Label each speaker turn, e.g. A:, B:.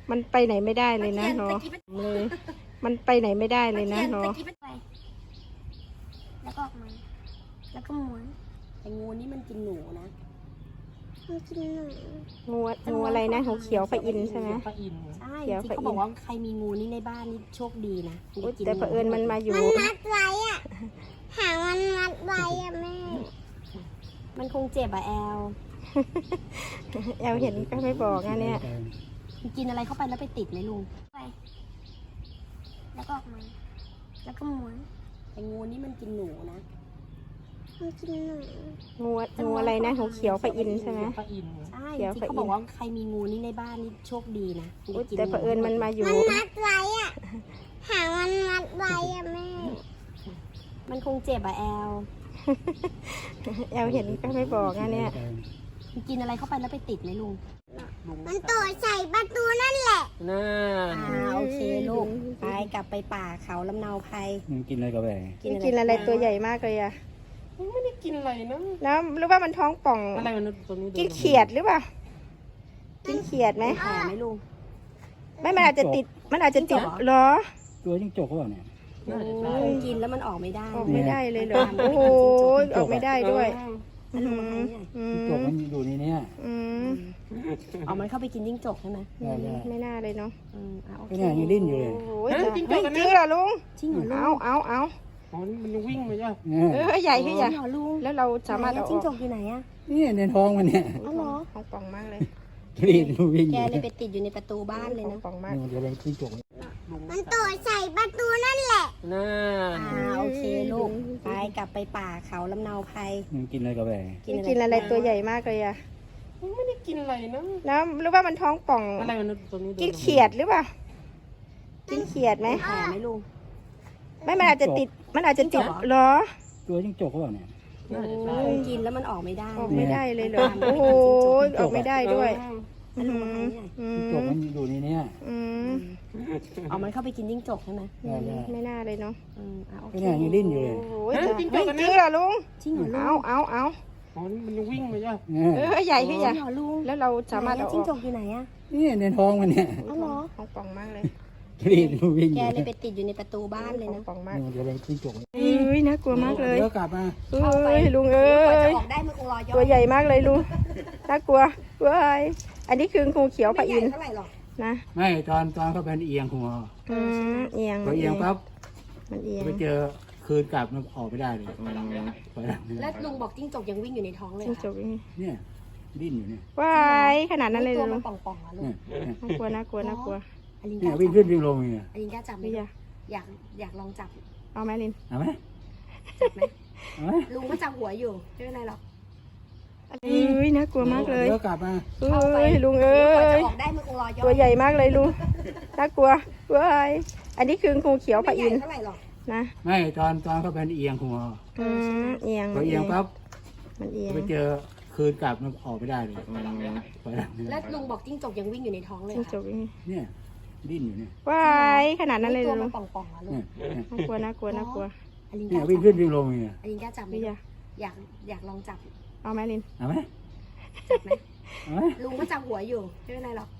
A: มันไปไหนไม่ได้เลยนะเนาะเลยมันไปไหนไม่ได้เลยนะเนาะ
B: แล้วก็ออกมาแล้วก็ม้วนแต่งูนี่มันกินหนูนะมันกินหนู
A: งูอะไรนะงูเขียวพระอินทร์ใช่ไหม
C: พระอินทร์
B: ใช่
A: เขียว
B: ที่
A: พระอินทร์
B: เขาบอกว่าใครมีงูนี่ในบ้านนี่โชคดีนะ
A: อุ๊ยแต่เผอิญมันมาอยู่
B: มันมัดไว้อะหางมันมัดไว้อะแม่มันคงเจ็บอะแอล
A: แอลเห็นก็ไม่บอกนะเนี่ย
B: มันกินอะไรเข้าไปแล้วไปติดไหมลุงไปแล้วก็ออกมาแล้วก็ม้วนแต่งูนี่มันกินหนูนะมันกินหนู
A: งูอะไรนะงูเขียวพระอินทร์ใช่ไหม
C: พระอินทร์
B: ใช่
A: เขียว
B: ที่
A: พระอินทร์
B: เขาบอกว่าใครมีงูนี่ในบ้านนี่โชคดีนะ
A: อุ๊ยแต่เผอิญมันมาอยู่
B: มันมัดไว้อะหางมันมัดไว้อะแม่มันคงเจ็บอะแอล
A: แอลเห็นก็ไม่บอกนะเนี่ย
B: มันกินอะไรเข้าไปแล้วไปติดไหมลุงมันตัวใส่ประตูนั่นแหละ
C: น่า
B: โอเคลูกไปกลับไปป่าเขาลำเนาไพร
D: มันกินอะไรกับแหว
A: กินอะไรตัวใหญ่มากเลยอะ
C: ไม่ได้กินอะไรนะ
A: แล้วหรือว่ามันท้องป่อง
C: อะไรมันตัวนี้
A: กินเขียดหรือเปล่ากินเขียดไหม
B: แผลไหมลุง
A: ไม่มันอาจจะติดเหรอ
D: ตัวจิ้งจกเขาบอกเนี่ย
C: น่าจะใช่
B: กินแล้วมันออกไม่ได้
A: ออกไม่ได้เลยเหรอโอ้โหออกไม่ได้ด้วย
B: แล้วลุงมาทำเนี่ย
D: จิ้งจกมันอยู่ในเนี้ย
A: อืม
B: เอามันเข้าไปกินจิ้งจกใช่ไหม
D: ได้ได้
A: ไม่น่าเลยเนาะ
B: โอ
D: ก็
B: เค
D: เนี่ยยังดิ้นอยู่เลย
A: โอ้ยจริงเหรอลุง
B: จริงเหรอลุง
A: เอา
C: อ๋อมันวิ่งมาจ้ะ
D: เนี่ย
A: ใหญ่ขึ้น
B: จ
A: อย่า
B: ริงเหรอลุง
A: แล้วเราสามารถเอาอ
B: จิ้ง
A: อก
B: จกอยู่ไหนอะ
D: นี่ในท้องมันเนี่ย
B: อ๋อเหรอ
A: ท้องป่องมากเลย
D: รีบวิ่งอ
B: แก
D: ยู่
B: เลยไปติดอยู่ในประตูบ้านเลย
A: ท้อ
B: นะ
A: งป่องมาก
D: นี่มันจะเป็นจิ้งจก
B: มันตัวใส่ประตูนั่นแหละ
C: น่า
B: โอเคลูกไปกลับไปป่าเขาลำเนาไพร
D: มันกินอะไรกับแหว
A: กินอะไรตัวใหญ่มากเลยอะ
C: ไม่ได้กินอะไรนะ
A: แล้วหรือว่ามันท้องป่อง
C: อะไรมันตัวนี้
A: กินเขียดหรือเปล่ากินเขียดไหม
B: แผลไหมลุง
A: ไม่มันอาจจะติดเหรอ
D: ตัวจิ้งจกเขาบอกเนี่ย
C: น่าจะใช่
B: กินแล้วมันออกไม่ได้
A: ออกไม่ได้เลยเหรอโอ้โหออกไม่ได้ด้วย
B: แล้วลุงมาทำเนี่ย
D: จิ้งจกมันอยู่ในเนี้ย
B: เอามันเข้าไปกินจิ้งจกใช่ไหม
D: ได้ได้
A: ไม่น่าเลยเนาะ
B: โอ
D: ก็
B: เค
D: เนี่ยยังดิ้นอยู่เลย
A: โอ้ยจริงเหรอลุง
B: จริงเหรอลุง
A: เอา
C: อ๋อมันวิ่งมาจ้ะ
D: เนี่ย
A: ใหญ่ขึ้นอย่า
B: จริงเหรอลุง
A: แล้วเราสามารถเอาอ
B: จิ้งจ
A: อก
B: กอยู่ไหนอะ
D: นี่ในท้องมันเนี่ย
B: อ๋อเหรอ
A: ท้องป่องมากเลย
D: รีบวิ่งอ
B: แก
D: ยู่
B: เลยไปติดอยู่ในประตูบ้านเลย
A: ท้อง
B: นะ
A: ป่องมาก
D: นี่มันจะเป็นจิ้งจก
A: น่ากลัวมากเลย
D: เดี๋ยวกลับมา
A: ลุง
B: กว่าจะ
A: ย
B: ออกได้มันคงรอย่อ
A: ตัวใหญ่มากเลยลุงน่ากลัวเว้ยอันนี้คืองูเขียวพ
B: ไม่
A: ระ
B: ให
A: อิ
B: ญ่
A: นทร์
B: เท่าไหร่หรอก
A: นะ
D: ไม่ตอนเขาเป็นเอียงหัว
A: เอียง
D: พอเอียงปั๊บ
A: มันเอียง
D: ไปเจอคืนกลับมันออกไม่ได้เลยไปแล้ว
B: แล้วลุงบอกจิ้งจกยังวิ่งอยู่ในท้องเลย
A: จิ้งจกนี่
D: เนี่ยดิ้นอยู่เนี่ย
A: ว้ายขนาดนั้นเลย
B: ตัว
A: ลุ
B: มั
A: ง
B: นป่องๆอะลุง
D: เนี่ย
A: น่ากลัวน่ากลัว
B: อลิน
D: เนี่ย
B: กล้า
D: วิ่ง
B: จั
D: ขึ้
B: บ
D: นวิ่งลงเนี่ย
B: อลินกล้าจับไหม
A: ไม่อยาก
B: อยากลองจับ
A: เอาไหมลิน
D: เอาไหม
B: จับไหม
D: เอาไหม
B: ลุงก็จับหัวอยู่ไม่เป็นไรหรอก
A: น่ากลัวมากเลย
D: เดี๋ยวกลับมา
A: ลุง
B: กว่าจะออกได้มันคงรอย่อ
A: ตัวใหญ่มากเลยลุงน่ากลัวเว้ยอันนี้คืองูเขียวพ
B: ไม่
A: ระ
B: ให
A: อิ
B: ญ่
A: นทร์
B: เท่าไหร่หรอก
A: นะ
D: ไม่ตอนเขาเป็นเอียงหัว
A: เอียง
D: พอเอียงปั๊บ
A: มันเอียง
D: ไปเจอคืนกลับมันออกไม่ได้เลยไปแล้ว
B: แล้วลุงบอกจิ้งจกยังวิ่งอยู่ในท้องเลย
A: จิ้งจกนี่
D: เนี่ยดิ้นอยู่เนี่ย
A: ว้ายขนาดนั้นเลย
B: ตัว
A: ลุ
B: มั
A: ง
B: นป่องๆอะลุง
D: เนี่ย
A: น่ากลัวน่ากลัว
B: อลินก
D: เนี่ย
B: ล้า
D: วิ่ง
B: จั
D: ขึ้
B: บ
D: นวิ่งลงเนี่ย
B: อลินกล้าจับไหม
A: ไม่อยาก
B: อยากลองจับ
A: เอาไหมลิน
D: เอาไหม
B: จับไหม
D: เอาไหม
B: ลุงก็จับหัวอยู่ไม่เป็นไรหรอก